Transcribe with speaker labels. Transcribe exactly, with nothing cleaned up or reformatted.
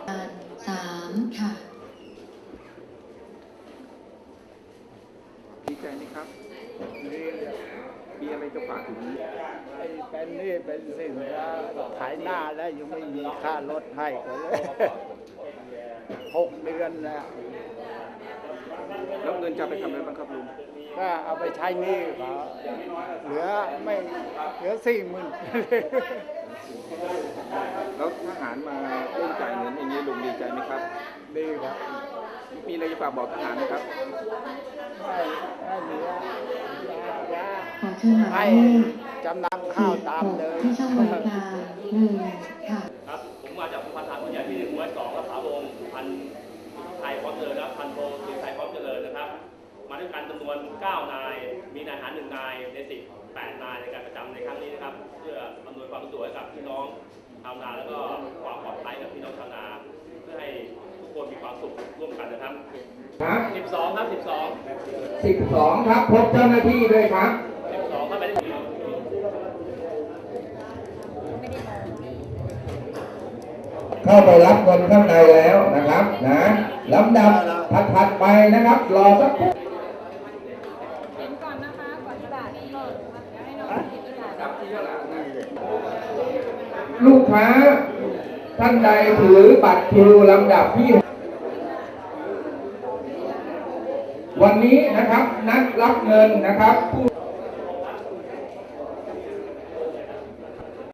Speaker 1: สามค่ะ
Speaker 2: ดีใจไหมครับนี่มีอะไรจะฝากถึงไอ้เป็นนี่เป็นสิ่งว่าขายหน้าแล้วยังไม่มีค่ารถให้ก็เลยหกเดือนแล้วแล้วเงินจะไปทำอะไรบ้างครับลุงก็เอาไปใช้หนี้เขาเหลือไม่เหลือสี่หมื่นแล้วทหารมาเร่งจ่ายเงินอย่างนี้ลุงดีใจไหมครับดีครับมีอะไรจะฝากบอกทหารไหมครับให้ให้เหลือยา
Speaker 1: ขอเชิญหมายเลข
Speaker 2: จำนำข้าวตามเดิม
Speaker 1: ที่ช่องบริการหนึ่งค่ะ
Speaker 3: ครับผมมาจากพันธานผู้ใหญ่ที่หนึ่งร้อยสองรักษาวงศ์พันไทยพร้อมเจริญและพันโทสิไทยพร้อมเจริญนะครับมาด้วยกันจำนวนเก้านายมีนายทหารหนึ่งนายในสิบแปดนายในการประจำในครั้งนี้นะครับเพื่ออำนวยความสะดวกให้กับพี่น้องชาวนาแล้วก็ความปลอดภัยกับพี่น้องชาวนาเพื่อให้ทุกคนมีความสุขร่วมกันนะครับ
Speaker 4: ครับ
Speaker 3: สิบสองครับสิบสอง
Speaker 4: สิบสองครับพบเจ้าหน้าที่ด้วยครับ
Speaker 3: สิบสองครับไม่ได้
Speaker 4: เข้าไปรับเงินข้างในแล้วนะครับนะลำดับถัดๆไปนะครับรอสักครู่
Speaker 5: เห็นก่อนนะคะก่อนที่จะเปิดเดี๋ยวให้น้องเห็นอีกหลาย
Speaker 4: ลูกค้าท่านใดถือบัตรคิวลำดับที่วันนี้นะครับนัดรับเงินนะครับผู้